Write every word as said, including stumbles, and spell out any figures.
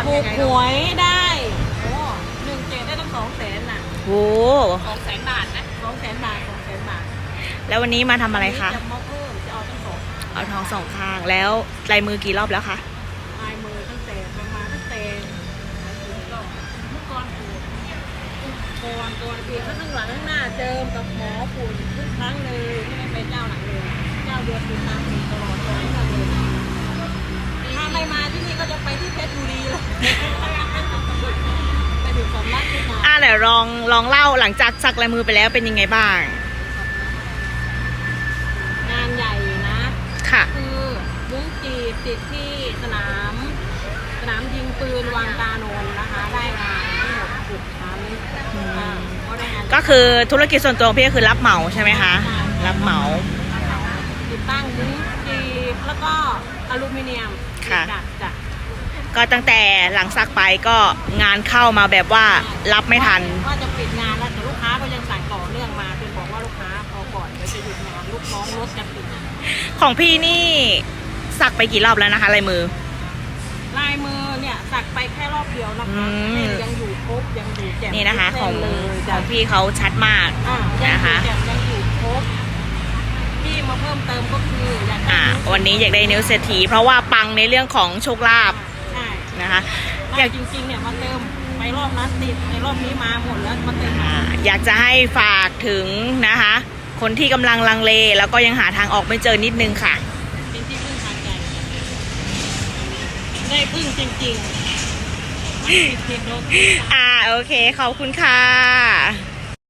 ถูกหวยได้โอ้หนึ่งเจ็ดได้ตั้งสองแสนน่ะโอ้สองแสนบาทนะสองแสนบาทสองแสนบาทแล้ววันนี้มาทำอะไรคะจะมาเพิ่มจะเอาตั้งสองเอาทองสองข้างแล้วลายมือกี่รอบแล้วคะลายมือตั้งแต่ประมาณตั้งแต่เมื่อก่อนปูก่อนก่อนปีก็ข้างหลังข้างหน้าเจิมกับหมอปูทุกครั้งเลยไม่ได้ไปเจ้าหลังเลยเจ้าเดือนปีตามปีตลอดเลยถ้าไม่มาที่นี่ก็จะไปที่เพชรบุรีเลยไปถึงสำนักที่มาอ่าเดี๋ยวลองลองเล่าหลังจากสักลายมือไปแล้วเป็นยังไงบ้างงานใหญ่นะค่ะคือมุ้งจีบติดที่สนามสนามยิงปืนวังตาโนนนะคะได้งานทั้งหมดหกชั้นอ่าก็ได้งานก็คือธุรกิจส่วนตัวของพี่ก็คือรับเหมาใช่ไหมคะ รับเหมาติดตั้งมุ้งจีบแล้วก็อลูมิเนียมค่ะจัดจ้ะก็ตั้งแต่หลังสักไปก็งานเข้ามาแบบว่ารับไม่ทันว่าจะปิดงานแล้วแต่ลูกค้าก็ยังสั่งต่อเนื่องมาจนบอกว่าลูกค้าพอก่อนเดี๋ยวจะหยุดงานลูกน้องรถจะปิดของพี่นี่สักไปกี่รอบแล้วนะคะลายมือลายมือเนี่ยสักไปแค่รอบเดียวนะคะอืมเส้นยังอยู่ครบยังอยู่แจ่มนี่นะคะทุกของเส้นเลยขจ้ะองพี่เขาชัดมากอ่ายังนะคะอยู่แจ่มยังอยู่ครบที่มาเพิ่มเติมก็คืออยากได้อ่านิ้ววันนี้อยากได้นิ้วเศรษฐีเพราะว่าปังในเรื่องของโชคลาภใช่นะคะ อากอยยากจริงๆเนี่ยมาเติมไปรอบนั้นติดในรอบนี้มาหมดแล้วมาเติมอ่าอยากจะให้ฝากถึงนะคะ คนที่กำลังลังเลแล้วก็ยังหาทางออกไม่เจอนิดนึงค่ะเป็นที่พึ่งทางใจได้พึ่งจริงๆไม่ผิดผิดโดนอ่าโอเคขอบคุณค่ะ